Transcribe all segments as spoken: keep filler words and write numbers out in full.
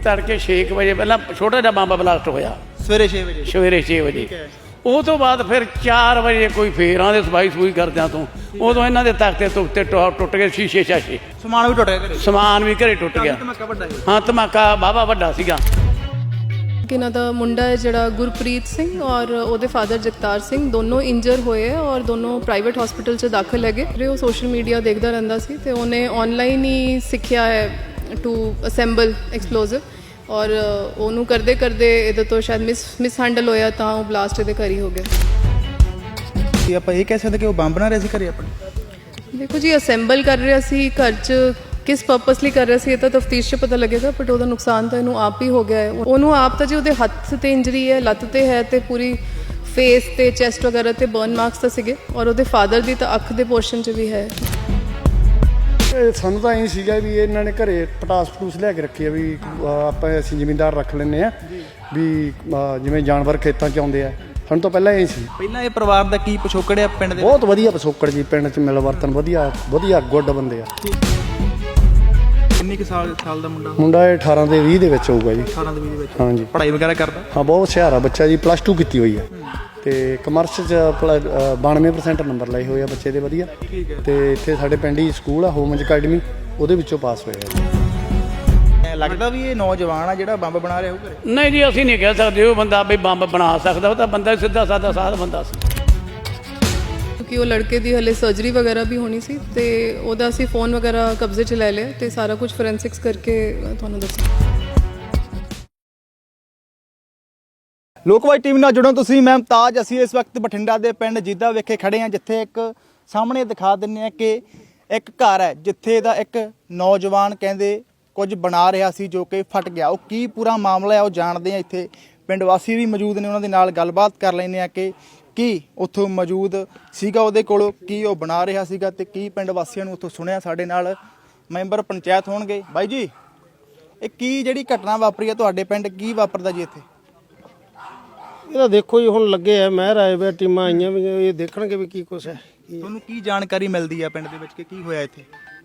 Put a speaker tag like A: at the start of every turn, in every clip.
A: तड़के छे बजे पहला छोटा जिहा बंब ब्लास्ट होया
B: सवेरे छे बजे
A: सवेरे छे बजे ਉਹ ਤੋਂ ਬਾਅਦ ਫਿਰ चार ਵਜੇ ਕੋਈ ਫੇਰਾਂ ਦੇ ਸਫਾਈ ਸਫੂਈ ਕਰਦਿਆਂ ਤੋਂ ਉਦੋਂ ਇਹਨਾਂ ਦੇ ਤਖਤੇ ਤੁਖਤੇ ਟੁੱਟ ਗਏ ਸ਼ੀਸ਼ੇ ਸ਼ਾਸ਼ੇ
B: ਸਮਾਨ ਵੀ ਟੁੱਟ ਗਿਆ ਘਰੇ
A: ਸਮਾਨ ਵੀ ਘਰੇ ਟੁੱਟ ਗਿਆ
B: ਧਮਾਕਾ ਵੱਡਾ ਸੀ
A: ਹਾਂ ਧਮਾਕਾ ਵਾਹਵਾ ਵੱਡਾ ਸੀਗਾ
C: ਕਿ ਇਹਨਾਂ ਦਾ ਮੁੰਡਾ ਹੈ ਜਿਹੜਾ ਗੁਰਪ੍ਰੀਤ ਸਿੰਘ ਔਰ ਉਹਦੇ ਫਾਦਰ ਜਗਤਾਰ ਸਿੰਘ ਦੋਨੋਂ ਇੰਜਰ ਹੋਏ ਔਰ ਦੋਨੋਂ ਪ੍ਰਾਈਵੇਟ ਹਸਪੀਟਲ 'ਚ ਦਾਖਲ ਹੈਗੇ ਫਿਰ ਉਹ ਸੋਸ਼ਲ ਮੀਡੀਆ ਦੇਖਦਾ ਰਹਿੰਦਾ ਸੀ ਤੇ ਉਹਨੇ ਆਨਲਾਈਨ ਹੀ ਸਿੱਖਿਆ ਹੈ ਟੂ ਅਸੈਂਬਲ ਐਕਸਪਲੋਸਿਵ ਔਰ ਉਹਨੂੰ ਕਰਦੇ ਕਰਦੇ ਇਹਦੇ ਤੋਂ ਸ਼ਾਇਦ ਮਿਸ ਮਿਸ ਹੈਂਡਲ ਹੋਇਆ ਤਾਂ ਉਹ ਬਲਾਸਟ ਇਹਦੇ ਘਰ ਹੀ ਹੋ ਗਿਆ
B: ਕੀ ਆਪਾਂ ਇਹ ਕਹਿ ਸਕਦੇ ਕਿ ਉਹ ਬੰਬ ਬਣਾ ਰਿਹਾ ਸੀ ਘਰੇ ਆਪਣੇ
C: ਦੇਖੋ ਜੀ ਅਸੈਂਬਲ ਕਰ ਰਿਹਾ ਸੀ ਘਰ 'ਚ ਕਿਸ ਪਰਪਸ ਲਈ ਕਰ ਰਿਹਾ ਸੀ ਇਹ ਤਾਂ ਤਫਤੀਸ਼ 'ਚ ਪਤਾ ਲੱਗੇਗਾ ਬਟ ਉਹਦਾ ਨੁਕਸਾਨ ਤਾਂ ਇਹਨੂੰ ਆਪ ਹੀ ਹੋ ਗਿਆ ਹੈ ਉਹਨੂੰ ਆਪ ਤਾਂ ਜੀ ਉਹਦੇ ਹੱਥ ਤੇ ਇੰਜਰੀ ਹੈ ਲੱਤ ਤੇ ਹੈ ਤੇ ਪੂਰੀ ਫੇਸ ਤੇ ਚੈਸਟ ਵਗੈਰਾ ਤੇ ਬਰਨ ਮਾਰਕਸ ਤਾਂ ਸੀਗੇ ਔਰ ਉਹਦੇ ਫਾਦਰ ਦੀ ਤਾਂ ਅੱਖ ਦੇ ਪੋਰਸ਼ਨ 'ਚ ਵੀ ਹੈ
D: ਸਾਨੂੰ ਤਾਂ ਇਹ ਸੀਗਾ ਵੀ ਇਹਨਾਂ ਨੇ ਘਰੇ ਪਟਾਸ ਪਟੂਸ ਲਿਆ ਕੇ ਰੱਖੀ ਆ ਵੀ ਆਪਾਂ ਅਸੀਂ ਜ਼ਿਮੀਂਦਾਰ ਰੱਖ ਲੈਂਦੇ ਆ ਵੀ ਜਿਵੇਂ ਜਾਨਵਰ ਖੇਤਾਂ 'ਚ ਆਉਂਦੇ ਆ ਸਾਨੂੰ ਤਾਂ ਪਹਿਲਾਂ ਇਹ ਸੀ
B: ਪਹਿਲਾਂ ਇਹ ਪਰਿਵਾਰ ਦਾ ਕੀ ਪਿਛੋਕੜ ਹੈ ਪਿੰਡ ਦੇ
D: ਬਹੁਤ ਵਧੀਆ ਪਿਛੋਕੜ ਜੀ ਪਿੰਡ 'ਚ ਮਿਲ ਵਰਤਨ ਵਧੀਆ ਵਧੀਆ ਗੁੱਡ ਬੰਦੇ ਆ
B: ਕਿੰਨੇ ਕੁ ਸਾਲ ਸਾਲ ਦਾ ਮੁੰਡਾ
D: ਮੁੰਡਾ ਇਹ ਅਠਾਰਾਂ ਦੇ ਵੀਹ ਦੇ ਵਿੱਚ ਹੋਊਗਾ ਜੀ
B: ਅਠਾਰਾਂ ਦੇ ਵੀਹ ਦੇ ਵਿੱਚ
D: ਹਾਂਜੀ
B: ਪੜ੍ਹਾਈ ਵਗੈਰਾ ਕਰਦਾ
D: ਹਾਂ ਬਹੁਤ ਹੁਸ਼ਿਆਰ ਆ ਬੱਚਾ ਜੀ ਪਲੱਸ ਟੂ ਕੀਤੀ ਹੋਈ ਆ ਤੇ ਕਮਰਸ 'ਚ ਬਾਨਵੇਂ ਪਰਸੈਂਟ ਨੰਬਰ ਲਏ ਹੋਏ ਆ ਬੱਚੇ ਦੇ ਵਧੀਆ ਤੇ ਇੱਥੇ ਸਾਡੇ ਪਿੰਡ ਹੀ ਸਕੂਲ ਆ ਹੋਮਜ ਅਕੈਡਮੀ ਉਹਦੇ ਵਿੱਚੋਂ ਪਾਸ ਹੋਇਆ
B: ਲੱਗਦਾ ਵੀ ਇਹ ਨੌਜਵਾਨ ਆ ਜਿਹੜਾ ਬੰਬ ਬਣਾ ਰਿਹਾ ਉਹ ਘਰੇ
A: ਨਹੀਂ ਜੀ ਅਸੀਂ ਨਹੀਂ ਕਹਿ ਸਕਦੇ ਉਹ ਬੰਦਾ ਵੀ ਬੰਬ ਬਣਾ ਸਕਦਾ ਉਹ ਤਾਂ ਬੰਦਾ ਸਿੱਧਾ ਸਾਦਾ ਸਾਧ ਬੰਦਾ ਸੀ
C: ਕਿਉਂਕਿ ਉਹ ਲੜਕੇ ਦੀ ਹਲੇ ਸਰਜਰੀ ਵਗੈਰਾ ਵੀ ਹੋਣੀ ਸੀ ਤੇ ਉਹਦਾ ਅਸੀਂ ਫੋਨ ਵਗੈਰਾ ਕਬਜ਼ੇ 'ਚ ਲੈ ਲਿਆ ਤੇ ਸਾਰਾ ਕੁਝ ਫੋਰੈਂਸਿਕਸ ਕਰਕੇ ਤੁਹਾਨੂੰ ਦੱਸਾਂ
B: ਲੋਕਵਾਈ ਟੀਵੀ ਨਾਲ ਜੁੜੋ ਤੁਸੀਂ ਮੈਂ ਮੁਮਤਾਜ ਅਸੀਂ ਇਸ ਵਕਤ ਬਠਿੰਡਾ ਦੇ ਪਿੰਡ ਜੀਦਾ ਵਿਖੇ ਖੜੇ ਹਾਂ ਜਿੱਥੇ ਇੱਕ ਸਾਹਮਣੇ ਦਿਖਾ ਦਿੰਦੇ ਹਾਂ ਕਿ ਇੱਕ ਘਰ ਹੈ ਜਿੱਥੇ ਦਾ ਇੱਕ ਨੌਜਵਾਨ ਕਹਿੰਦੇ ਕੁਝ ਬਣਾ ਰਿਹਾ ਸੀ ਜੋ ਕਿ ਫਟ ਗਿਆ ਉਹ ਕੀ ਪੂਰਾ ਮਾਮਲਾ ਹੈ ਉਹ ਜਾਣਦੇ ਹਾਂ ਇੱਥੇ ਪਿੰਡ ਵਾਸੀ ਵੀ ਮੌਜੂਦ ਨੇ ਉਹਨਾਂ ਦੇ ਨਾਲ ਗੱਲਬਾਤ ਕਰ ਲੈਂਦੇ ਹਾਂ ਕਿ ਕੀ ਉੱਥੋਂ ਮੌਜੂਦ ਸੀਗਾ ਉਹਦੇ ਕੋਲ ਕੀ ਉਹ ਬਣਾ ਰਿਹਾ ਸੀਗਾ ਤੇ ਕੀ ਪਿੰਡ ਵਾਸੀਆਂ ਨੂੰ ਉੱਥੋਂ ਸੁਣਿਆ ਸਾਡੇ ਨਾਲ ਮੈਂਬਰ ਪੰਚਾਇਤ ਹੋਣਗੇ ਬਾਈ ਜੀ ਇਹ ਕੀ ਜਿਹੜੀ ਘਟਨਾ ਵਾਪਰੀ ਹੈ ਤੁਹਾਡੇ ਪਿੰਡ ਕੀ ਵਾਪਰਦਾ ਜੀ ਇੱਥੇ
E: ਇਹਦਾ ਦੇਖੋ ਜੀ ਹੁਣ ਲੱਗੇ ਆ ਮਹਿਰ ਆਏ ਵੇ ਟੀਮਾਂ ਆਈਆਂ ਵੀ ਇਹ ਦੇਖਣਗੇ ਵੀ ਕੀ ਕੁਛ ਹੈ
B: ਤੁਹਾਨੂੰ ਕੀ ਜਾਣਕਾਰੀ ਮਿਲਦੀ ਆ ਪਿੰਡ ਦੇ ਵਿੱਚ ਕਿ ਕੀ ਹੋਇਆ ਇੱਥੇ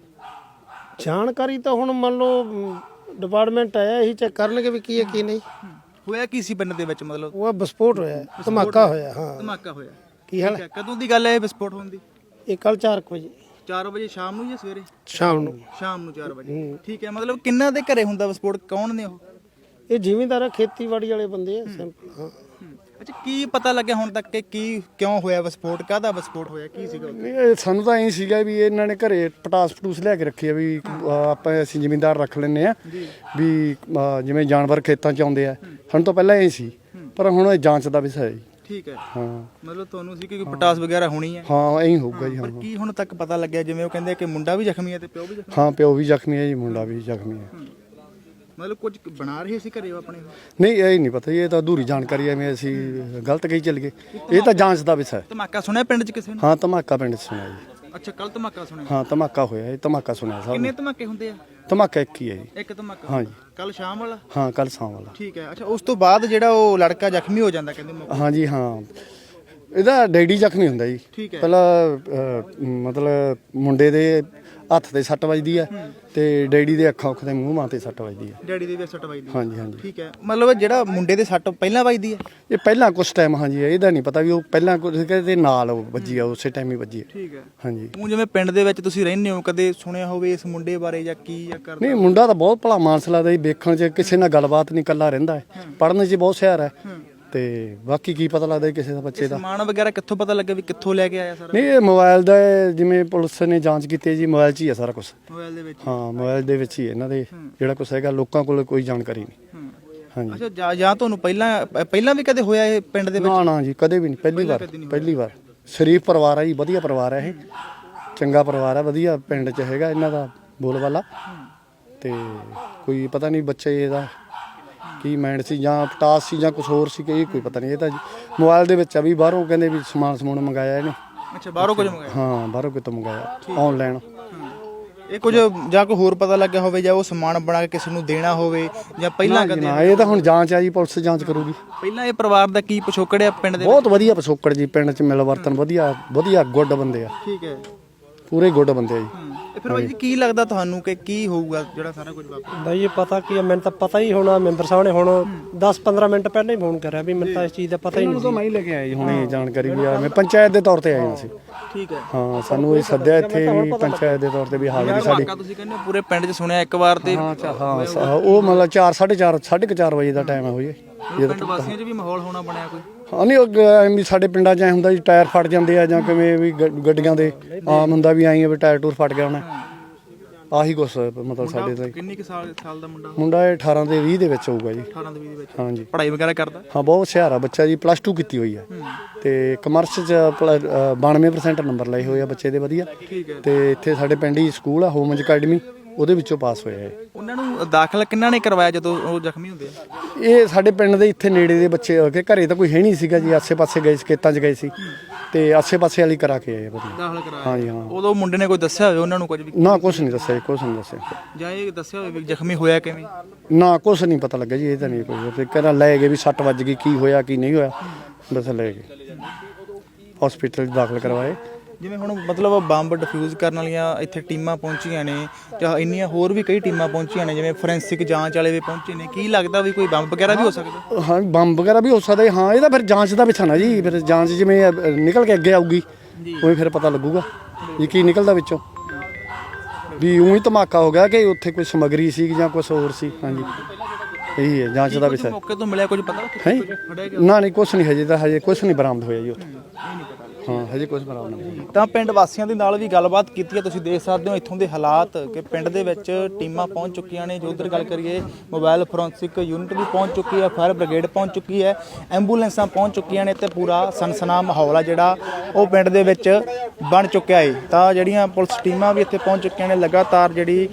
E: ਜਾਣਕਾਰੀ ਤਾਂ ਹੁਣ ਮੰਨ ਲਓ ਡਿਪਾਰਟਮੈਂਟ ਆਇਆ ਇਹੀ ਚੈੱਕ ਕਰਨਗੇ ਵੀ ਕੀ ਹੈ ਕੀ ਨਹੀਂ
B: ਹੋਇਆ ਕੀ ਸੀ ਪਿੰਡ ਦੇ ਵਿੱਚ ਮਤਲਬ
E: ਉਹ ਵਿਸਫੋਟ ਹੋਇਆ ਧਮਾਕਾ ਹੋਇਆ ਹਾਂ
B: ਧਮਾਕਾ ਹੋਇਆ
E: ਕੀ ਹਾਲ
B: ਕਦੋਂ ਦੀ ਗੱਲ ਹੈ ਇਹ ਵਿਸਫੋਟ ਹੋਣ ਦੀ
E: ਇਹ ਕੱਲ ਚਾਰ ਵਜੇ
B: ਚਾਰ ਵਜੇ ਸ਼ਾਮ ਨੂੰ ਜਾਂ ਸਵੇਰੇ
E: ਸ਼ਾਮ ਨੂੰ
B: ਸ਼ਾਮ ਨੂੰ ਚਾਰ ਵਜੇ ਠੀਕ ਹੈ ਮਤਲਬ ਕਿੰਨਾ ਦੇ ਘਰੇ ਹੁੰਦਾ ਵਿਸਫੋਟ ਕੌਣ ਨੇ ਉਹ
E: ਇਹ ਜ਼ਿਮੀਂਦਾਰ ਖੇਤੀਬਾੜੀ ਵਾਲੇ ਬੰਦੇ ਆ ਸਿੰਪਲ ਹਾਂ
B: ਅੱਛਾ ਕੀ ਪਤਾ ਲੱਗਿਆ ਹੁਣ ਤੱਕ ਕਿ ਕੀ ਕਿਉਂ ਹੋਇਆ ਵਿਸਫੋਟ ਕਾਹਦਾ ਵਿਸਫੋਟ ਹੋਇਆ ਕੀ ਸੀਗਾ
D: ਇਹ ਸਾਨੂੰ ਤਾਂ ਇਹ ਸੀਗਾ ਵੀ ਇਹਨਾਂ ਨੇ ਘਰੇ ਪਟਾਸ ਪਟੂਸ ਲਿਆ ਕੇ ਰੱਖੀ ਆ ਵੀ ਆਪਾਂ ਅਸੀਂ ਜ਼ਿਮੀਂਦਾਰ ਰੱਖ ਲੈਂਦੇ ਆ ਵੀ ਜਿਵੇਂ ਜਾਨਵਰ ਖੇਤਾਂ 'ਚ ਆਉਂਦੇ ਆ ਸਾਨੂੰ ਤਾਂ ਪਹਿਲਾਂ ਇਹ ਸੀ ਪਰ ਹੁਣ ਇਹ ਜਾਂਚ ਦਾ ਵਿਸ਼ਾ ਹੈ ਜੀ
B: ਠੀਕ ਹੈ
D: ਹਾਂ
B: ਮਤਲਬ ਤੁਹਾਨੂੰ ਸੀ ਕਿ ਪਟਾਸ ਵਗੈਰਾ ਹੋਣੀ ਹੈ
D: ਹਾਂ ਐਂ ਹੋਊਗਾ ਜੀ ਹਾਂ
B: ਪਰ ਕੀ ਹੁਣ ਤੱਕ ਪਤਾ ਲੱਗਿਆ ਜਿਵੇਂ ਉਹ ਕਹਿੰਦੇ ਕਿ ਮੁੰਡਾ ਵੀ ਜ਼ਖਮੀ ਹੈ ਤੇ ਪਿਓ ਵੀ ਜ਼ਖਮੀ
D: ਹਾਂ ਪਿਓ ਵੀ ਜ਼ਖਮੀ ਹੈ ਜੀ ਮੁੰਡਾ ਵੀ ਜ਼ਖਮੀ ਹੈ
B: ਮਤਲਬ ਕੁਝ ਬਣਾ ਰਹੇ ਸੀ ਘਰੇ ਆਪਣੇ
D: ਨਹੀਂ ਇਹ ਨਹੀਂ ਪਤਾ ਇਹ ਤਾਂ ਅਧੂਰੀ ਜਾਣਕਾਰੀ ਐਵੇਂ ਅਸੀਂ ਗਲਤ ਕਹੀ ਚੱਲ ਗਏ ਇਹ ਤਾਂ ਜਾਂਚ ਦਾ ਵਿਸ਼ਾ ਹੈ
B: ਧਮਾਕਾ ਸੁਣਿਆ ਪਿੰਡ 'ਚ ਕਿਸੇ ਨੇ
D: ਹਾਂ ਧਮਾਕਾ ਪਿੰਡ 'ਚ ਸੁਣਿਆ ਜੀ
B: ਅੱਛਾ ਕੱਲ ਧਮਾਕਾ ਸੁਣਿਆ
D: ਹਾਂ ਧਮਾਕਾ ਹੋਇਆ ਇਹ ਧਮਾਕਾ ਸੁਣਿਆ ਸਭ
B: ਕਿੰਨੇ
D: ਨੇ
B: ਧਮਾਕੇ ਹੁੰਦੇ ਆ
D: ਧਮਾਕਾ ਇੱਕ ਹੀ ਹੈ ਜੀ
B: ਇੱਕ ਧਮਾਕਾ
D: ਹਾਂਜੀ
B: ਕੱਲ ਸ਼ਾਮ ਵਾਲਾ
D: ਹਾਂ ਕੱਲ ਸ਼ਾਮ ਵਾਲਾ
B: ਠੀਕ ਹੈ ਅੱਛਾ ਉਸ ਤੋਂ ਬਾਅਦ ਜਿਹੜਾ ਉਹ ਲੜਕਾ ਜ਼ਖਮੀ ਹੋ ਜਾਂਦਾ ਕਹਿੰਦੇ ਮੌਕੇ
D: ਹਾਂਜੀ ਹਾਂ ਇਹਦਾ ਡੈਡੀ ਜ਼ਖਮੀ ਹੁੰਦਾ ਜੀ
B: ਠੀਕ ਹੈ
D: ਪਹਿਲਾਂ ਅਹ, ਮਤਲਬ ਮੁੰਡੇ ਦੇ ਹੱਥ ਤੇ ਸੱਟ ਵੱਜਦੀ ਆ ਤੇ ਡੈਡੀ ਦੇ ਅੱਖਾਂ ਉੱਖ ਦੇ ਮੂੰਹ ਮਾਂ ਤੇ ਸੱਟ ਵੱਜਦੀ ਆ
B: ਡੈਡੀ ਦੀ ਵੀ ਸੱਟ ਵੱਜਦੀ ਹੈ
D: ਹਾਂਜੀ ਹਾਂਜੀ
B: ਠੀਕ ਹੈ ਮਤਲਬ ਜਿਹੜਾ ਮੁੰਡੇ ਦੇ ਸੱਟ ਪਹਿਲਾਂ ਵੱਜਦੀ ਹੈ
D: ਇਹ ਪਹਿਲਾਂ ਕੁਛ ਟਾਈਮ ਹਾਂਜੀ ਇਹਦਾ ਨਹੀਂ ਪਤਾ ਵੀ ਉਹ ਪਹਿਲਾਂ ਕੁਝ ਕਹਿੰਦੇ ਨਾਲ ਉਹ ਵੱਜੀ ਆ ਉਸੇ ਟਾਈਮ ਹੀ ਵੱਜੀ ਆ
B: ਠੀਕ ਹੈ
D: ਹਾਂਜੀ
B: ਉਹ ਜਿਵੇਂ ਪਿੰਡ ਦੇ ਵਿੱਚ ਤੁਸੀਂ ਰਹਿੰਦੇ ਹੋ ਕਦੇ ਸੁਣਿਆ ਹੋਵੇ ਇਸ ਮੁੰਡੇ ਬਾਰੇ ਜਾਂ ਕੀ ਜਾਂ ਕਰਦਾ
D: ਨਹੀਂ ਮੁੰਡਾ ਤਾਂ ਬਹੁਤ ਭਲਾ ਮਾਨਸ ਲੱਗਦਾ ਜੀ ਵੇਖਣ 'ਚ ਕਿਸੇ ਨਾਲ ਗੱਲਬਾਤ ਨਹੀਂ ਇਕੱਲਾ ਰਹਿੰਦਾ ਹੈ ਪੜ੍ਹਨ 'ਚ ਬਹੁਤ ਹੁਸ਼ਿਆਰ ਹੈ ਤੇ ਬਾਕੀ ਕੀ ਪਤਾ ਲੱਗਦਾ ਕਿਸੇ ਦਾ ਬੱਚੇ ਦਾ
B: ਸਮਾਨ ਵਗੈਰਾ ਕਿੱਥੋਂ ਪਤਾ ਲੱਗਿਆ ਵੀ ਕਿੱਥੋਂ ਲੈ ਕੇ ਆਇਆ ਸਾਰਾ
D: ਨਹੀਂ ਇਹ ਮੋਬਾਈਲ ਦਾ ਜਿਵੇਂ ਪੁਲਿਸ ਨੇ ਜਾਂਚ ਕੀਤੀ ਹੈ ਜੀ ਮੋਬਾਈਲ 'ਚ ਹੀ ਹੈ ਸਾਰਾ ਕੁਝ
B: ਮੋਬਾਈਲ ਦੇ ਵਿੱਚ
D: ਹਾਂ ਮੋਬਾਈਲ ਦੇ ਵਿੱਚ ਹੀ ਇਹਨਾਂ ਦੇ ਜਿਹੜਾ ਕੁਛ ਹੈਗਾ ਲੋਕਾਂ ਕੋਲ ਕੋਈ ਜਾਣਕਾਰੀ ਨਹੀਂ ਹਾਂਜੀ
B: ਅੱਛਾ ਜਾਂ ਜਾਂ ਤੁਹਾਨੂੰ ਪਹਿਲਾਂ ਪਹਿਲਾਂ ਵੀ ਕਦੇ ਹੋਇਆ ਇਹ ਪਿੰਡ ਦੇ ਵਿੱਚ
D: ਨਾ ਨਾ ਜੀ ਕਦੇ ਵੀ ਨਹੀਂ ਪਹਿਲੀ ਵਾਰ ਪਹਿਲੀ ਵਾਰ ਸ਼ਰੀਫ ਪਰਿਵਾਰ ਹੈ ਜੀ ਵਧੀਆ ਪਰਿਵਾਰ ਹੈ ਇਹ ਚੰਗਾ ਪਰਿਵਾਰ ਹੈ ਵਧੀਆ ਪਿੰਡ 'ਚ ਹੈਗਾ ਇਹਨਾਂ ਦਾ ਬੋਲਬਾਲਾ ਤੇ ਕੋਈ ਪਤਾ ਨਹੀਂ ਬੱਚੇ ਇਹਦਾ ਕੀ ਮਾਈਂਡ ਸੀ ਜਾਂ ਪਟਾਸ ਸੀ ਜਾਂ ਕੁਝ ਹੋਰ ਸੀ ਕਿ ਇਹ ਕੋਈ ਪਤਾ ਨਹੀਂ ਇਹ ਤਾਂ ਮੋਬਾਈਲ ਦੇ ਵਿੱਚ ਆ ਵੀ ਬਾਹਰੋਂ ਕਹਿੰਦੇ ਵੀ ਸਮਾਨ ਸਮੂਨ ਮੰਗਾਇਆ ਇਹਨੇ
B: ਅੱਛਾ ਬਾਹਰੋਂ ਕੁਝ ਮੰਗਾਇਆ
D: ਹਾਂ ਬਾਹਰੋਂ ਕਿਤੋਂ ਮੰਗਾਇਆ ਆਨਲਾਈਨ
B: ਇਹ ਕੁਝ ਜਾਂ ਕੋਈ ਹੋਰ ਪਤਾ ਲੱਗਿਆ ਹੋਵੇ ਜਾਂ ਉਹ ਸਮਾਨ ਬਣਾ ਕੇ ਕਿਸੇ ਨੂੰ ਦੇਣਾ ਹੋਵੇ ਜਾਂ ਪਹਿਲਾਂ ਕਦੇ
D: ਨਾ ਇਹ ਤਾਂ ਹੁਣ ਜਾਂਚ ਆ ਜੀ ਪੁਲਿਸ ਜਾਂਚ ਕਰੂਗੀ
B: ਪਹਿਲਾਂ ਇਹ ਪਰਿਵਾਰ ਦਾ ਕੀ ਪਿਛੋਕੜ ਹੈ ਪਿੰਡ ਦੇ
D: ਬਹੁਤ ਵਧੀਆ ਪਿਛੋਕੜ ਜੀ ਪਿੰਡ 'ਚ ਮਿਲ ਵਰਤਨ ਵਧੀਆ ਵਧੀਆ ਗੁੱਡ ਬੰਦੇ ਆ
B: ਠੀਕ ਹੈ
D: ਪੂਰੇ ਗੁੱਡ ਬੰਦੇ ਆ ਜੀ
B: ਫਿਰ ਬਾਈ ਜੀ ਕੀ ਲੱਗਦਾ ਤੁਹਾਨੂੰ ਕਿ ਕੀ ਹੋਊਗਾ ਜਿਹੜਾ ਸਾਰਾ ਕੁਝ ਵਾਪਰਿਆ?
E: ਬਾਈ ਇਹ ਪਤਾ ਕੀ ਹੈ, ਮੈਨੂੰ ਤਾਂ ਪਤਾ ਹੀ ਹੋਣਾ। ਮੈਂਬਰ ਸਾਹਿਬ ਨੇ ਹੁਣ ਦਸ ਪੰਦਰਾਂ ਮਿੰਟ ਪਹਿਲਾਂ ਹੀ ਫੋਨ ਕਰਿਆ ਵੀ ਮੈਨੂੰ ਤਾਂ ਇਸ ਚੀਜ਼ ਦਾ ਪਤਾ ਹੀ ਨਹੀਂ ਸੀ।
D: ਮੈਂ ਹੀ ਲੈ ਕੇ ਆਇਆ ਜੀ ਹੁਣੇ ਜਾਣਕਾਰੀ ਵੀ ਆ, ਮੈਂ ਪੰਚਾਇਤ ਦੇ ਤੌਰ ਤੇ ਆਏ ਹਾਂ ਅਸੀਂ।
B: ਠੀਕ ਹੈ।
D: ਹਾਂ ਸਾਨੂੰ ਇਹ ਸੱਦਿਆ ਇੱਥੇ ਵੀ ਪੰਚਾਇਤ ਦੇ ਤੌਰ ਤੇ ਵੀ ਹਾਜ਼ਰੀ ਸਾਡੀ।
B: ਤੁਸੀਂ ਕਹਿੰਦੇ ਹੋ ਪੂਰੇ ਪਿੰਡ 'ਚ ਸੁਣਿਆ ਇੱਕ ਵਾਰ ਤੇ
D: ਹਾਂ ਹਾਂ ਸ- ਉਹ ਮਤਲਬ ਚਾਰ ਸਾਢੇ ਚਾਰ ਸਾਢੇ ਕੁ ਚਾਰ ਵਜੇ ਦਾ ਟਾਈਮ ਹੈ ਹੋਈ
B: ਪਿੰਡ ਵਾਸੀਆਂ 'ਚ ਵੀ ਮਾਹੌਲ ਹੋਣਾ ਬਣਿਆ ਕੋਈ?
D: ਹਾਂ ਨਹੀਂ ਉਹ ਗ- ਐਵੇਂ ਵੀ ਸਾਡੇ ਪਿੰਡਾਂ 'ਚ ਐ ਹੁੰਦਾ ਜੀ ਟਾਇਰ ਫਟ ਜਾਂਦੇ ਆ ਜਾਂ ਕਿਵੇਂ ਵੀ ਗ- ਗੱਡੀਆਂ ਦੇ ਆਮ ਹੁੰਦਾ ਵੀ ਆਈ ਆ ਵੀ ਟਾਇਰ ਟੂਰ ਫਟ ਗਿਆ ਹੋਣਾ। ਆਹੀ ਕੁਛ ਮਤਲਬ ਸਾਡੇ ਦਾ
B: ਕਿੰਨੀ ਕੁ ਸਾਲ ਸਾਲ ਦਾ ਮੁੰਡਾ?
D: ਮੁੰਡਾ ਇਹ ਅਠਾਰਾਂ ਦੇ ਵੀਹ ਦੇ ਵਿੱਚ ਹੋਊਗਾ ਜੀ।
B: ਅਠਾਰਾਂ ਦੇ ਵੀਹ ਦੇ ਵਿੱਚ।
D: ਹਾਂਜੀ
B: ਪੜ੍ਹਾਈ ਵਗੈਰਾ ਕਰਦਾ?
D: ਹਾਂ ਬਹੁਤ ਹੁਸ਼ਿਆਰ ਆ ਬੱਚਾ ਜੀ, ਪਲੱਸ ਟੂ ਕੀਤੀ ਹੋਈ ਹੈ ਤੇ ਕਮਰਸ 'ਚ ਪਲ- ਅ, ਬਾਨਵੇਂ ਪਰਸੈਂਟ ਨੰਬਰ ਲਏ ਹੋਏ ਆ ਬੱਚੇ ਦੇ ਵਧੀਆ। ਤੇ ਇੱਥੇ ਸਾਡੇ ਪਿੰਡ ਹੀ ਸਕੂਲ ਆ ਹੋਮਜ ਅਕੈਡਮੀ, ਉਹਦੇ ਵਿੱਚੋਂ ਪਾਸ ਹੋਇਆ ਹੈ।
B: ਉਹਨਾਂ ਨੂੰ ਦਾਖਲ ਕਿੰਨਾ ਨੇ ਕਰਵਾਇਆ ਜਦੋਂ ਉਹ ਜ਼ਖਮੀ ਹੁੰਦੇ ਆ?
D: ਇਹ ਸਾਡੇ ਪਿੰਡ ਦੇ ਇੱਥੇ ਨੇੜੇ ਦੇ ਬੱਚੇ ਹੋ ਕੇ, ਘਰੇ ਤਾਂ ਕੋਈ ਹੈ ਨਹੀਂ ਸੀਗਾ ਜੀ, ਆਸੇ-ਪਾਸੇ ਗਏ ਸੀ, ਖੇਤਾਂ 'ਚ ਗਏ ਸੀ ਤੇ ਆਸੇ-ਪਾਸੇ ਵਾਲੀ ਕਰਾ ਕੇ ਆਏ ਵਧੀਆ।
B: ਦਾਖਲ ਕਰਾਇਆ?
D: ਹਾਂਜੀ ਹਾਂ।
B: ਉਦੋਂ ਮੁੰਡੇ ਨੇ ਕੋਈ ਦੱਸਿਆ ਹੋਵੇ ਉਹਨਾਂ ਨੂੰ ਕੁਝ ਵੀ?
D: ਨਾ ਕੁਛ ਨਹੀਂ ਦੱਸਿਆ ਜੀ, ਕੁਛ ਨਹੀਂ ਦੱਸਿਆ।
B: ਜਾਂ ਇਹ ਦੱਸਿਆ ਹੋਵੇ ਵੀ ਜ਼ਖਮੀ ਹੋਇਆ ਕਿਵੇਂ?
D: ਨਾ ਕੁਛ ਨਹੀਂ ਪਤਾ ਲੱਗਾ ਜੀ, ਇਹ ਤਾਂ ਨਹੀਂ ਕੋਈ ਤੇ ਕਹਿੰਦਾ ਲੈ ਗਏ ਵੀ ਸੱਟ ਵੱਜ ਗਈ, ਕੀ ਹੋਇਆ ਕੀ ਨਹੀਂ ਹੋਇਆ, ਬਸ ਲੈ ਗਏ ਹਸਪੀਟਲ 'ਚ ਦਾਖਲ ਕਰਵਾਏ।
B: ਜਿਵੇਂ ਹੁਣ ਮਤਲਬ ਬੰਬ ਡਿਫਿਊਜ਼ ਕਰਨ ਵਾਲੀਆਂ ਇੱਥੇ ਟੀਮਾਂ ਪਹੁੰਚੀਆਂ ਨੇ ਜਾਂ ਇੰਨੀਆਂ ਹੋਰ ਵੀ ਕਈ ਟੀਮਾਂ ਪਹੁੰਚੀਆਂ ਨੇ, ਜਿਵੇਂ ਫੋਰੈਂਸਿਕ ਜਾਂਚ ਵਾਲੇ ਵੀ ਪਹੁੰਚੇ ਨੇ, ਕੀ ਲੱਗਦਾ ਵੀ ਕੋਈ ਬੰਬ ਵਗੈਰਾ ਵੀ ਹੋ ਸਕਦਾ?
D: ਹਾਂ ਬੰਬ ਵਗੈਰਾ ਵੀ ਹੋ ਸਕਦਾ ਜੀ। ਹਾਂ ਇਹ ਤਾਂ ਫਿਰ ਜਾਂਚ ਦਾ ਵਿਸ਼ਾ ਨਾ ਜੀ, ਫਿਰ ਜਾਂਚ ਜਿਵੇਂ ਅ, ਨਿਕਲ ਕੇ ਅੱਗੇ ਆਊਗੀ ਉਵੇਂ ਫਿਰ ਪਤਾ ਲੱਗੂਗਾ ਵੀ ਕੀ ਨਿਕਲਦਾ ਵਿੱਚੋਂ, ਵੀ ਉਹੀ ਧਮਾਕਾ ਹੋ ਗਿਆ ਕਿ ਉੱਥੇ ਕੋਈ ਸਮੱਗਰੀ ਸੀ ਜਾਂ ਕੁਝ ਹੋਰ ਸੀ। ਹਾਂਜੀ ਇਹੀ ਹੈ ਜਾਂਚ ਦਾ ਵਿਸ਼ਾ।
B: ਮੌਕੇ ਤੋਂ ਮਿਲਿਆ ਕੁਝ ਪਤਾ?
D: ਹੈ ਨਾ ਨਹੀਂ ਕੁਛ ਨਹੀਂ, ਹਜੇ ਤਾਂ ਹਜੇ ਕੁਛ ਨਹੀਂ ਬਰਾਮਦ ਹੋਇਆ ਜੀ ਉੱਥੇ। ਹਾਂ ਹਜੇ ਕੁਛ ਬਰਾਮਦ ਨਹੀਂ।
B: ਤਾਂ ਪਿੰਡ ਵਾਸੀਆਂ ਦੇ ਨਾਲ ਵੀ ਗੱਲਬਾਤ ਕੀਤੀ ਹੈ, ਤੁਸੀਂ ਦੇਖ ਸਕਦੇ ਹੋ ਇੱਥੋਂ ਦੇ ਹਾਲਾਤ ਕਿ ਪਿੰਡ ਦੇ ਵਿੱਚ ਟੀਮਾਂ ਪਹੁੰਚ ਚੁੱਕੀਆਂ ਨੇ। ਜੋ ਉੱਧਰ ਗੱਲ ਕਰੀਏ ਮੋਬਾਈਲ ਫੋਰੈਂਸਿਕ ਯੂਨਿਟ ਵੀ ਪਹੁੰਚ ਚੁੱਕੀ ਹੈ, ਫਾਇਰ ਬ੍ਰਿਗੇਡ ਪਹੁੰਚ ਚੁੱਕੀ ਹੈ, ਐਂਬੂਲੈਂਸਾਂ ਪਹੁੰਚ ਚੁੱਕੀਆਂ ਨੇ ਤੇ ਪੂਰਾ ਸਨਸਨਾ ਮਾਹੌਲ ਆ ਜਿਹੜਾ ਉਹ ਪਿੰਡ ਦੇ ਵਿੱਚ ਬਣ ਚੁੱਕਿਆ ਹੈ। ਤਾਂ ਜਿਹੜੀਆਂ ਪੁਲਿਸ ਟੀਮਾਂ ਵੀ ਇੱਥੇ ਪਹੁੰਚ ਚੁੱਕੀਆਂ ਨੇ, ਲਗਾਤਾਰ ਜਿਹੜੀ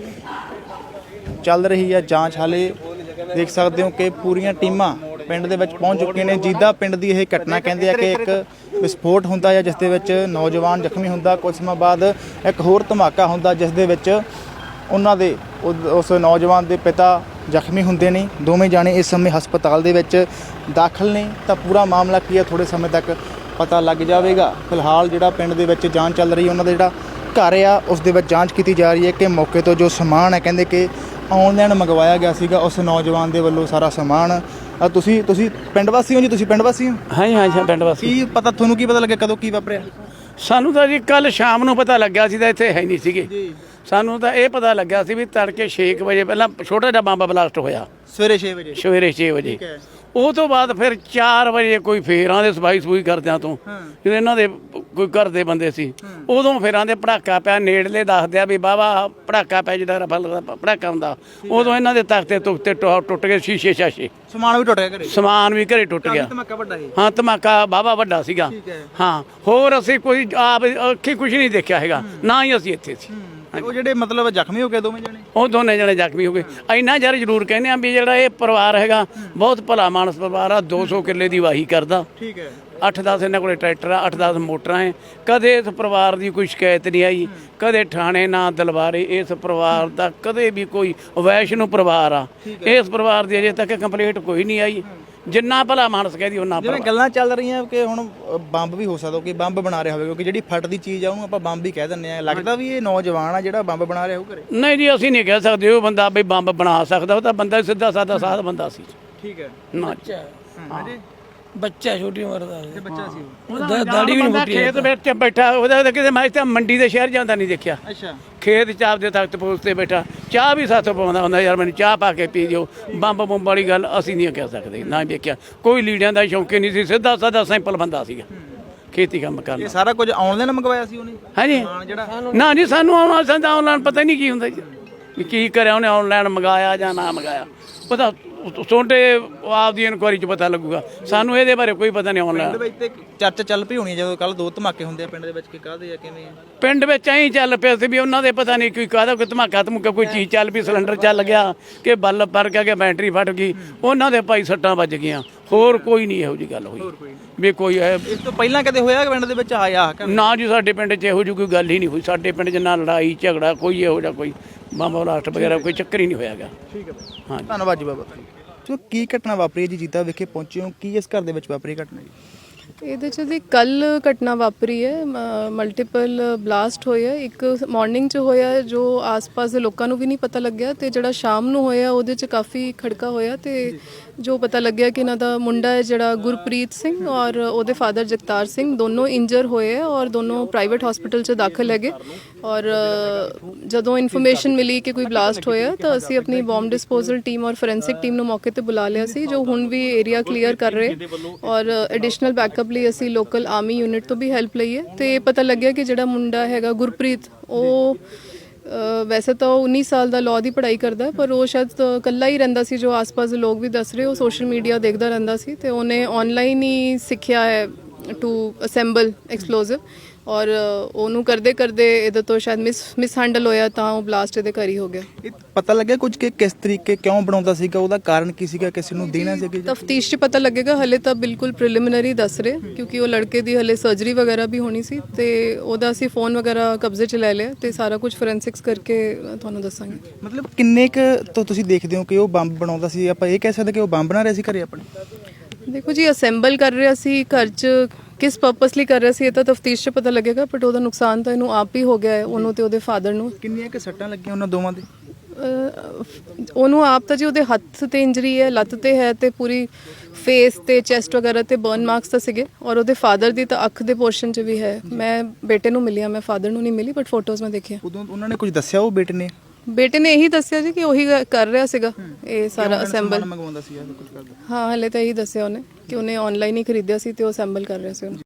B: ਚੱਲ ਰਹੀ ਹੈ ਜਾਂਚ। ਹਾਲੇ ਦੇਖ ਸਕਦੇ ਹੋ ਕਿ ਪੂਰੀਆਂ ਟੀਮਾਂ ਪਿੰਡ ਦੇ ਵਿੱਚ ਪਹੁੰਚ ਚੁੱਕੀਆਂ ਨੇ। ਜੀਦਾ ਪਿੰਡ ਦੀ ਇਹ ਘਟਨਾ ਕਹਿੰਦੇ ਆ ਕਿ ਇੱਕ ਵਿਸਫੋਟ ਹੁੰਦਾ ਹੈ ਜਿਸ ਦੇ ਵਿੱਚ ਨੌਜਵਾਨ ਜ਼ਖਮੀ ਹੁੰਦਾ, ਕੁਝ ਸਮਾਂ ਬਾਅਦ ਇੱਕ ਹੋਰ ਧਮਾਕਾ ਹੁੰਦਾ ਜਿਸ ਦੇ ਵਿੱਚ ਉਹਨਾਂ ਦੇ ਉਸ ਨੌਜਵਾਨ ਦੇ ਪਿਤਾ ਜ਼ਖਮੀ ਹੁੰਦੇ ਨੇ। ਦੋਵੇਂ ਜਾਣੇ ਇਸ ਸਮੇਂ ਹਸਪਤਾਲ ਦੇ ਵਿੱਚ ਦਾਖਲ ਨੇ। ਤਾਂ ਪੂਰਾ ਮਾਮਲਾ ਕੀ ਹੈ ਥੋੜੇ ਸਮੇਂ ਤੱਕ ਪਤਾ ਲੱਗ ਜਾਵੇਗਾ। ਫਿਲਹਾਲ ਜਿਹੜਾ ਪਿੰਡ ਦੇ ਵਿੱਚ ਜਾਂਚ ਚੱਲ ਰਹੀ ਹੈ, ਉਹਨਾਂ ਦਾ ਜਿਹੜਾ ਘਰ ਆ ਉਸ ਦੇ ਵਿੱਚ ਜਾਂਚ ਕੀਤੀ ਜਾ ਰਹੀ ਹੈ ਕਿ ਮੌਕੇ ਤੋਂ ਜੋ ਸਮਾਨ ਹੈ ਕਹਿੰਦੇ ਕਿ ਆਨਲਾਈਨ ਮੰਗਵਾਇਆ ਗਿਆ ਸੀਗਾ ਉਸ ਨੌਜਵਾਨ ਦੇ ਵੱਲੋਂ ਸਾਰਾ ਸਮਾਨ। ਆ ਤੁਸੀਂ ਤੁਸੀਂ ਪਿੰਡ ਵਾਸੀ ਹੋ ਜੀ? ਤੁਸੀਂ ਪਿੰਡ ਵਾਸੀ ਹੋ?
A: ਹਾਂਜੀ ਹਾਂਜੀ ਪਿੰਡ ਵਾਸੀ।
B: ਕੀ ਪਤਾ ਤੁਹਾਨੂੰ, ਕੀ ਪਤਾ ਲੱਗਿਆ ਕਦੋਂ ਕੀ ਵਾਪਰਿਆ?
A: ਸਾਨੂੰ ਤਾਂ ਜੀ ਕੱਲ ਸ਼ਾਮ ਨੂੰ ਪਤਾ ਲੱਗਿਆ ਸੀ, ਤਾਂ ਇੱਥੇ ਹੈ ਨਹੀਂ ਸੀਗੇ। ਸਾਨੂੰ ਤਾਂ ਇਹ ਪਤਾ ਲੱਗਿਆ ਸੀ ਵੀ ਤੜਕੇ ਛੇ ਕੁ ਵਜੇ ਪਹਿਲਾਂ ਛੋਟਾ ਜਿਹਾ ਬੰਬ ਬਲਾਸਟ ਹੋਇਆ,
B: ਸਵੇਰੇ ਛੇ ਵਜੇ।
A: ਸਵੇਰੇ ਛੇ ਵਜੇ। ਉਹ ਤੋਂ ਬਾਅਦ ਫਿਰ ਚਾਰ ਵਜੇ ਕੋਈ ਫੇਰਾਂ ਦੇ ਸਫਾਈ ਸਫੂਈ ਕਰਦਿਆਂ ਤੋਂ ਜਦੋਂ ਇਹਨਾਂ ਦੇ ਕੋਈ ਘਰ ਦੇ ਬੰਦੇ ਸੀ, ਉਦੋਂ ਫੇਰਾਂ ਦੇ ਪੜਾਕਾ ਪਿਆ। ਨੇੜਲੇ ਦੱਸਦੇ ਆ ਵੀ ਵਾਹਵਾ ਪੜਾਕਾ ਪਿਆ, ਜਿਹੜਾ ਰਫਲ ਦਾ ਪੜਾਕਾ ਹੁੰਦਾ। ਉਦੋਂ ਇਹਨਾਂ ਦੇ ਤਖਤੇ ਤੁਖਤੇ ਟੁੱਟ ਗਏ, ਸ਼ੀਸ਼ੇ ਸ਼ਾਸ਼ੇ,
B: ਸਮਾਨ ਵੀ ਟੁੱਟ ਗਿਆ ਘਰੇ?
A: ਸਮਾਨ ਵੀ ਘਰੇ ਟੁੱਟ ਗਿਆ।
B: ਧਮਾਕਾ ਵੱਡਾ ਸੀ?
A: ਹਾਂ ਧਮਾਕਾ ਵਾਹਵਾ ਵੱਡਾ ਸੀਗਾ। ਹਾਂ ਹੋਰ ਅਸੀਂ ਕੋਈ ਆਪ ਅੱਖੀ ਕੁਝ ਨਹੀਂ ਦੇਖਿਆ ਹੈਗਾ, ਨਾ ਹੀ ਅਸੀਂ ਇੱਥੇ ਸੀ।
B: ਉਹ ਜਿਹੜੇ ਮਤਲਬ ਜ਼ਖਮੀ ਹੋ ਗਏ ਦੋਵੇਂ ਜਣੇ?
A: ਉਹ ਦੋਨੇ ਜਣੇ ਜ਼ਖਮੀ ਹੋ ਗਏ। ਇੰਨਾ ਯਾਰ ਜ਼ਰੂਰ ਕਹਿੰਦੇ ਆ ਵੀ ਜਿਹੜਾ ਇਹ ਪਰਿਵਾਰ ਹੈਗਾ ਬਹੁਤ ਭਲਾ ਮਾਨਸ ਪਰਿਵਾਰ ਆ। ਦੋ ਸੌ ਕਿੱਲੇ ਦੀ ਵਾਹੀ ਕਰਦਾ,
B: ਠੀਕ ਹੈ।
A: ਅੱਠ ਦਸ ਇਹਨਾਂ ਕੋਲੇ ਟਰੈਕਟਰ ਆ, ਅੱਠ ਦਸ ਮੋਟਰਾਂ ਹੈ। ਕਦੇ ਇਸ ਪਰਿਵਾਰ ਦੀ ਕੋਈ ਸ਼ਿਕਾਇਤ ਨਹੀਂ ਆਈ, ਕਦੇ ਥਾਣੇ ਨਾ ਦਲਵਾਰੇ। ਇਸ ਪਰਿਵਾਰ ਦਾ ਕਦੇ ਵੀ ਕੋਈ ਵੈਸ਼ਨੂ ਪਰਿਵਾਰ ਆ, ਇਸ ਪਰਿਵਾਰ ਦੀ ਅਜੇ ਤੱਕ ਕੰਪਲੇਂਟ ਕੋਈ ਨਹੀਂ ਆਈ। ਜਿੰਨਾ ਭਲਾ ਮਾਨਸ ਕਹਦੀ ਉਹਨਾਂ
B: ਜਿਵੇਂ ਗੱਲਾਂ ਚੱਲ ਰਹੀਆਂ ਕਿ ਹੁਣ ਬੰਬ ਵੀ ਹੋ ਸਕਦਾ ਕਿ ਬੰਬ ਬਣਾ ਰਿਹਾ ਹੋਵੇ, ਕਿਉਂਕਿ ਜਿਹੜੀ ਫਟਦੀ ਚੀਜ਼ ਆ ਉਹਨੂੰ ਆਪਾਂ ਬੰਬ ਹੀ ਕਹਿ ਦਿੰਦੇ ਆ। ਲੱਗਦਾ ਵੀ ਇਹ ਨੌਜਵਾਨ ਆ ਜਿਹੜਾ ਬੰਬ ਬਣਾ ਰਿਹਾ ਉਹ ਘਰੇ?
A: ਨਹੀਂ ਜੀ ਅਸੀਂ ਨਹੀਂ ਕਹਿ ਸਕਦੇ ਉਹ ਬੰਦਾ ਵੀ ਬੰਬ ਬਣਾ ਸਕਦਾ। ਉਹ ਤਾਂ ਬੰਦਾ ਸਿੱਧਾ ਸਾਦਾ ਸਾਧ ਬੰਦਾ ਸੀ।
B: ਠੀਕ ਹੈ।
A: ਨਾ
F: ਬੱਚਾ ਛੋਟੀ ਉਮਰ ਦਾ
B: ਤੇ ਬੱਚਾ ਸੀ ਉਹ?
F: ਉਹਦਾ ਦਾੜੀ ਵੀ ਨਹੀਂ ਮੁੱਟੀ।
A: ਖੇਤ ਵਿੱਚ ਬੈਠਾ, ਉਹਦਾ ਤਾਂ ਕਿਤੇ ਮੈਂ ਤਾਂ ਮੰਡੀ ਦੇ ਸ਼ਹਿਰ ਜਾਂਦਾ ਨਹੀਂ ਦੇਖਿਆ।
B: ਅੱਛਾ।
A: ਖੇਤ ਚ ਆਪਦੇ ਤਖਤ ਪੋਸ ਤੇ ਬੈਠਾ ਚਾਹ ਵੀ ਸਾਥੋਂ ਪਾਉਂਦਾ ਹੁੰਦਾ, ਯਾਰ ਮੈਨੂੰ ਚਾਹ ਪਾ ਕੇ ਪੀ ਦਿਓ। ਬੰਬ ਬੰਬ ਵਾਲੀ ਗੱਲ ਅਸੀਂ ਨਹੀਂ ਕਹਿ ਸਕਦੇ, ਨਾ ਦੇਖਿਆ। ਕੋਈ ਲੀੜਿਆਂ ਦਾ ਸ਼ੌਂਕੀ ਨਹੀਂ ਸੀ, ਸਿੱਧਾ ਸਾਦਾ ਸਿੰਪਲ ਬੰਦਾ ਸੀਗਾ, ਖੇਤੀ ਕੰਮ ਕਰਨਾ।
B: ਇਹ ਸਾਰਾ ਕੁਝ ਆਨਲਾਈਨ ਮੰਗਵਾਇਆ ਸੀ ਉਹਨੇ?
A: ਹਾਂਜੀ
B: ਜਿਹੜਾ
A: ਨਾ ਜੀ ਸਾਨੂੰ ਆਉਣਾ ਸੰਦਾ ਆਨਲਾਈਨ ਪਤਾ ਹੀ ਨਹੀਂ ਕੀ ਹੁੰਦਾ ਜੀ, ਵੀ ਕੀ ਕਰਿਆ ਉਹਨੇ, ਆਨਲਾਈਨ ਮੰਗਾਇਆ ਜਾਂ ਨਾ ਮੰਗਾਇਆ। ਪਤਾ ਤੁਹਾਡੇ ਆਪਦੀ ਇਨਕੁਆਰੀ ਚ ਪਤਾ ਲੱਗੂਗਾ, ਸਾਨੂੰ ਇਹਦੇ ਬਾਰੇ ਕੋਈ ਪਤਾ ਨਹੀਂ। ਆਨਲਾਈਨ
B: ਪਿੰਡ ਵਿੱਚ ਤੇ ਚਰਚਾ ਚੱਲ ਪਈ ਹੋਣੀ ਜਦੋਂ ਕੱਲ ਦੋ ਧਮਾਕੇ ਹੁੰਦੇ ਆ ਪਿੰਡ ਦੇ ਵਿੱਚ, ਕਿ ਕਾਹਦੇ ਆ ਕਿਵੇਂ ਆ?
A: ਪਿੰਡ ਵਿੱਚ ਐਂ ਚੱਲ ਪਿਆ ਸੀ ਵੀ ਉਹਨਾਂ ਦੇ ਪਤਾ ਨਹੀਂ ਕੋਈ ਕਾਹਦਾ ਕੋਈ ਧਮਾਕਾ ਧਮਕਾ ਕੋਈ ਚੀਜ਼ ਚੱਲ ਪਈ, ਸਿਲੰਡਰ ਚੱਲ ਗਿਆ ਕਿ ਬਲਬ ਪਰ ਗਿਆ ਕਿ ਬੈਟਰੀ ਫਟ ਗਈ, ਉਹਨਾਂ ਦੇ ਭਾਈ ਸੱਟਾਂ ਵੱਜ ਗਈਆਂ। ਹੋਰ ਕੋਈ ਨਹੀਂ ਇਹੋ ਜਿਹੀ ਗੱਲ ਹੋਈ ਵੀ ਕੋਈ ਹੈ।
B: ਇਸ ਤੋਂ ਪਹਿਲਾਂ ਕਦੇ ਹੋਇਆ ਕਿ ਪਿੰਡ ਦੇ ਵਿੱਚ ਆਇਆ?
A: ਨਾ ਜੀ ਸਾਡੇ ਪਿੰਡ 'ਚ ਇਹੋ ਜਿਹੀ ਕੋਈ ਗੱਲ ਹੀ ਨਹੀਂ ਹੋਈ। ਸਾਡੇ ਪਿੰਡ 'ਚ ਨਾ ਲੜਾਈ ਝਗੜਾ ਕੋਈ ਇਹੋ ਜਿਹਾ ਕੋਈ ਬੰਬ ਬਲਾਸਟ ਵਗੈਰਾ ਕੋਈ ਚੱਕਰ ਹੀ ਨਹੀਂ ਹੋਇਆਗਾ।
B: ਠੀਕ ਹੈ ਹਾਂ, ਧੰਨਵਾਦ ਜੀ ਬਾਬਾ। ਸੋ ਕੀ ਘਟਨਾ ਵਾਪਰੀ ਹੈ ਜੀ? ਜੀਤਾ ਵਿਖੇ ਪਹੁੰਚੇ ਹੋ, ਕੀ ਇਸ ਘਰ ਦੇ ਵਿੱਚ ਵਾਪਰੀ ਘਟਨਾ ਜੀ?
C: ਇਹਦੇ ਚ ਦੀ ਕੱਲ ਘਟਨਾ ਵਾਪਰੀ ਹੈ, ਮਲਟੀਪਲ ਬਲਾਸਟ ਹੋਏ ਆ। ਇੱਕ ਮਾਰਨਿੰਗ ਚ ਹੋਇਆ ਜੋ ਆਸ-ਪਾਸ ਦੇ ਲੋਕਾਂ ਨੂੰ ਵੀ ਨਹੀਂ ਪਤਾ ਲੱਗਿਆ, ਤੇ ਜਿਹੜਾ ਸ਼ਾਮ ਨੂੰ ਹੋਇਆ ਉਹਦੇ ਚ ਕਾਫੀ ਖੜਕਾ ਹੋਇਆ, ਤੇ ਜੋ ਪਤਾ ਲੱਗਿਆ ਕਿ ਇਹਨਾਂ ਦਾ ਮੁੰਡਾ ਹੈ ਜਿਹੜਾ ਗੁਰਪ੍ਰੀਤ ਸਿੰਘ ਔਰ ਉਹਦੇ ਫਾਦਰ ਜਗਤਾਰ ਸਿੰਘ ਦੋਨੋਂ ਇੰਜਰ ਹੋਏ ਆ ਔਰ ਦੋਨੋਂ ਪ੍ਰਾਈਵੇਟ ਹਸਪੀਟਲ 'ਚ ਦਾਖਲ ਹੈਗੇ। ਔਰ ਜਦੋਂ ਇਨਫੋਰਮੇਸ਼ਨ ਮਿਲੀ ਕਿ ਕੋਈ ਬਲਾਸਟ ਹੋਇਆ ਤਾਂ ਅਸੀਂ ਆਪਣੀ ਬੰਬ ਡਿਸਪੋਜ਼ਲ ਟੀਮ ਔਰ ਫੋਰੈਂਸਿਕ ਟੀਮ ਨੂੰ ਮੌਕੇ ਤੇ ਬੁਲਾ ਲਿਆ ਸੀ, ਜੋ ਹੁਣ ਵੀ ਏਰੀਆ ਕਲੀਅਰ ਕਰ ਰਹੇ ਔਰ ਐਡੀਸ਼ਨਲ ਬੈਕਅਪ ਲਈ ਅਸੀਂ ਲੋਕਲ ਆਰਮੀ ਯੂਨਿਟ ਤੋਂ ਵੀ ਹੈਲਪ ਲਈ ਹੈ। ਤੇ ਪਤਾ ਲੱਗਿਆ ਕਿ ਜਿਹੜਾ ਮੁੰਡਾ ਹੈਗਾ ਗੁਰਪ੍ਰੀਤ, ਉਹ ਵੈਸੇ ਤਾਂ ਉਹ ਉੱਨੀ ਸਾਲ ਦਾ ਲਾਅ ਦੀ ਪੜ੍ਹਾਈ ਕਰਦਾ, ਪਰ ਉਹ ਸ਼ਾਇਦ ਇਕੱਲਾ ਹੀ ਰਹਿੰਦਾ ਸੀ, ਜੋ ਆਸ-ਪਾਸ ਦੇ ਲੋਕ ਵੀ ਦੱਸ ਰਹੇ। ਉਹ ਸੋਸ਼ਲ ਮੀਡੀਆ ਦੇਖਦਾ ਰਹਿੰਦਾ ਸੀ ਤੇ ਉਹਨੇ ਆਨਲਾਈਨ ਹੀ ਸਿੱਖਿਆ ਹੈ ਟੂ ਅਸੈਂਬਲ ਐਕਸਪਲੋਸਿਵ, ਔਰ ਉਹਨੂੰ ਕਰਦੇ ਕਰਦੇ ਇਹਦੇ ਤੋਂ ਸ਼ਾਇਦ ਮਿਸ ਮਿਸ ਹੈਂਡਲ ਹੋਇਆ ਤਾਂ ਉਹ ਬਲਾਸਟ ਇਹਦੇ ਘਰ ਹੀ ਹੋ ਗਿਆ।
B: ਇਹ ਪਤਾ ਲੱਗਿਆ ਕੁਝ ਕਿ ਕਿਸ ਤਰੀਕੇ ਕਿਉਂ ਬਣਾਉਂਦਾ ਸੀਗਾ, ਉਹਦਾ ਕਾਰਨ ਕੀ ਸੀਗਾ, ਕਿਸੇ ਨੂੰ ਦੇਣਾ ਸੀਗਾ?
C: ਤਫਤੀਸ਼ 'ਚ ਪਤਾ ਲੱਗੇਗਾ, ਹਲੇ ਤਾਂ ਬਿਲਕੁਲ ਪ੍ਰੀਲਿਮਿਨਰੀ ਦੱਸ ਰਹੇ, ਕਿਉਂਕਿ ਉਹ ਲੜਕੇ ਦੀ ਹਲੇ ਸਰਜਰੀ ਵਗੈਰਾ ਵੀ ਹੋਣੀ ਸੀ ਤੇ ਉਹਦਾ ਅਸੀਂ ਫੋਨ ਵਗੈਰਾ ਕਬਜ਼ੇ 'ਚ ਲੈ ਲਿਆ ਤੇ ਸਾਰਾ ਕੁਝ ਫੋਰੈਂਸਿਕਸ ਕਰਕੇ ਤੁਹਾਨੂੰ ਦੱਸਾਂਗੇ।
B: ਮਤਲਬ ਕਿੰਨੇ ਕੁ ਤੋਂ ਤੁਸੀਂ ਦੇਖਦੇ ਹੋ ਕਿ ਉਹ ਬੰਬ ਬਣਾਉਂਦਾ ਸੀ? ਆਪਾਂ ਇਹ ਕਹਿ ਸਕਦੇ ਕਿ ਉਹ ਬੰਬ ਬਣਾ ਰਿਹਾ ਸੀ ਘਰੇ ਆਪਣੇ?
C: ਦੇਖੋ ਜੀ, ਅਸੈਂਬਲ ਕਰ ਰਿਹਾ ਸੀ ਘਰ 'ਚ, ਕਿਸ ਪਰਪਸ ਲਈ ਕਰ ਰਿਹਾ ਸੀ ਇਹ ਤਾਂ ਤਫਤੀਸ਼ 'ਚ ਪਤਾ ਲੱਗੇਗਾ, ਬਟ ਉਹਦਾ ਨੁਕਸਾਨ ਤਾਂ ਇਹਨੂੰ ਆਪ ਹੀ ਹੋ ਗਿਆ ਹੈ, ਉਹਨੂੰ ਤੇ ਉਹਦੇ ਫਾਦਰ ਨੂੰ।
B: ਕਿੰਨੀਆਂ ਕੁ ਸੱਟਾਂ ਲੱਗੀਆਂ ਉਹਨਾਂ ਦੋਵਾਂ ਦੇ?
C: ਉਹਨੂੰ ਆਪ ਤਾਂ ਜੀ ਉਹਦੇ ਹੱਥ ਤੇ ਇੰਜਰੀ ਹੈ, ਲੱਤ ਤੇ ਹੈ, ਤੇ ਪੂਰੀ ਫੇਸ ਤੇ ਚੈਸਟ ਵਗੈਰਾ ਤੇ ਬਰਨ ਮਾਰਕਸ ਤਾਂ ਸੀਗੇ, ਔਰ ਉਹਦੇ ਫਾਦਰ ਦੀ ਤਾਂ ਅੱਖ ਦੇ ਪੋਰਸ਼ਨ 'ਚ ਵੀ ਹੈ। ਮੈਂ ਬੇਟੇ ਨੂੰ ਮਿਲੀ ਆ, ਮੈਂ ਫਾਦਰ ਨੂੰ ਨਹੀਂ ਮਿਲੀ, ਬਟ ਫੋਟੋਜ਼ ਮੈਂ ਦੇਖੀਆਂ।
B: ਉਦੋਂ ਉਹਨਾਂ ਨੇ ਕੁਝ ਦੱਸਿਆ ਉਹ ਬੇਟੇ ਨੇ?
C: ਬੇਟੇ ਨੇ ਇਹੀ ਦੱਸਿਆ ਜੀ ਕਿ ਉਹੀ ਕਰ ਰਿਹਾ ਸੀਗਾ ਇਹ ਸਾਰਾ ਅਸੈਂਬਲ।
B: ਮੰਗਵਾਉਂਦਾ ਸੀ ਜਾਂ ਕੁਝ ਕਰਦਾ?
C: ਹਾਂ, ਹਲੇ ਤਾਂ ਇਹੀ ਦੱਸਿਆ ਉਹਨੇ ਕਿ ਉਹਨੇ ਆਨਲਾਈਨ ਹੀ ਖਰੀਦਿਆ ਸੀ ਤੇ ਉਹ ਅਸੈਂਬਲ ਕਰ ਰਿਹਾ ਸੀ ਉਹਨੂੰ।